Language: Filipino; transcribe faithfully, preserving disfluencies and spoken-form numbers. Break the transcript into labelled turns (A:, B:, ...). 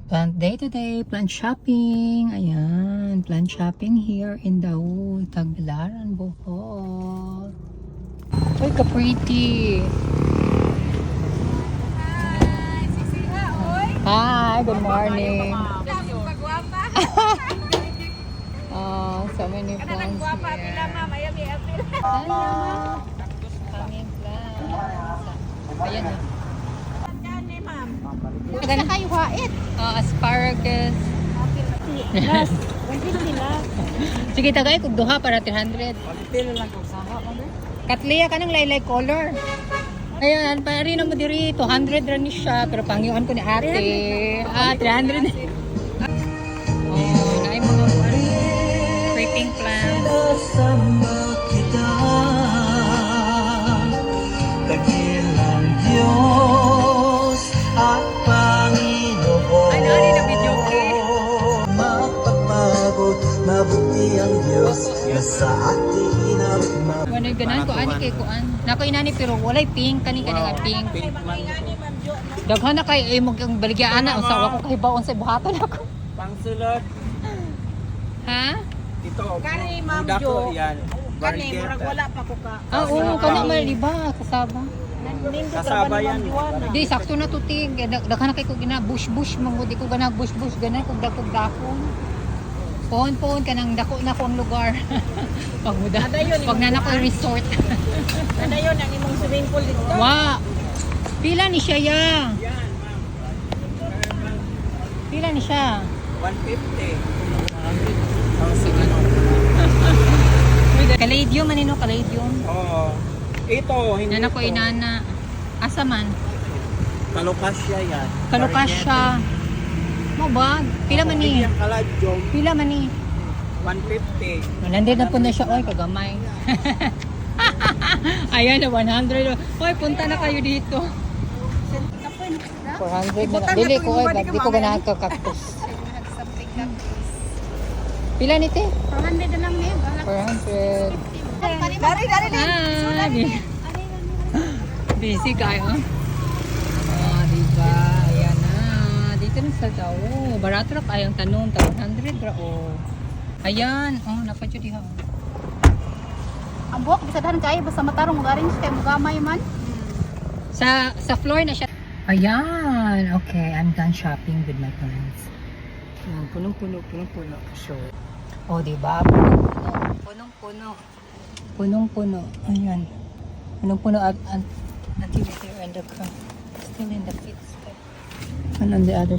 A: Plant day to day, plant shopping. Ayan, plant shopping here in Daul, Tagbilaran, Bohol. Uy, ka-pretty. Hi, good morning. Oh, so many plants here. Hello. Kaming plants. Ayan o.
B: Maganda kayo hait.
A: Oh, asparagus.
B: Last. one fifty last.
A: Sige, tagay kung duha para three hundred.
B: Pilo lang kung saha mo na.
A: Katliya ka ng laylay color. Ayan, pari na mo diri, two hundred rin ni siya. Pero pangyuan ko ni ate. Ah, three hundred. Oh, na yung mga creeping plants.
C: Dakilang Diyos at Panginoon.
A: Ay, nari na video eh.
C: Mapapagod, mabuti ang Diyos na sa atin ang mapapagod.
A: Ano yung ganan ko, ani kay kuan. Nako inani pero walay pink, kani kani nga pink. Daghan na kay ay mag baligya ana usawa ko kay baon sa buhaton ako.
D: Pangsulot.
A: Ha?
D: Ito.
B: Kani, Ma'am
D: Budak ko,
B: Jo.
D: yan.
B: Kani,
D: Barangay.
B: murag wala pa ko ka.
A: Ah, oo, kana man diba kasaba.
B: Nandito
D: Kasaba
B: ka
D: yan.
B: yan.
A: Di sakto na tutig. Daghan na kay ko gina bush bush mo di ko gana bush bush ganay kog dagkog dakon. Pohon pohon kanang dako na ko ang lugar. Pag muda. Pag na ko resort.
B: Ano yun, ang imong swimming pool dito?
A: Wa. Pila ni siya ya? Pila ni siya?
D: one fifty.
A: Kaladium manino kaladium.
D: Oo. Ito, hindi
A: Nana ko
D: ito.
A: inana. Asa man?
D: Kalokasya yan.
A: Kalukas siya. Mo ba? Pila man ni?
D: Yung kaladyong,
A: Pila man ni?
D: one fifty.
A: Nandito na po na siya. Oy, kagamay. Ayan na, one hundred. Oy, punta na kayo dito. four hundred na lang. Dili ko, oy, di ko ganahan ka cactus. Pila ni te?
B: four hundred na lang eh.
A: four hundred.
B: Dari, dari,
A: Ah, bi- busy kayo. Ah, diba? Ayan na. Dito na sa tao. Barato ra kayang tanong. one hundred ra. Oh. Ayan. Oh, napadyo diha.
B: Ang buhok, bisadahan kayo. Basta matarong mag-arrange kayo. Magamay man.
A: Sa sa floor na siya. Ayan. Okay, I'm done shopping with my plants. Ayan, punong-puno, punong-puno. Sure. Oh, diba? Punong-puno. Punong-puno. Punong-puno. Ayan. Punong-puno at until they're in the car. Still in the kids. And on the other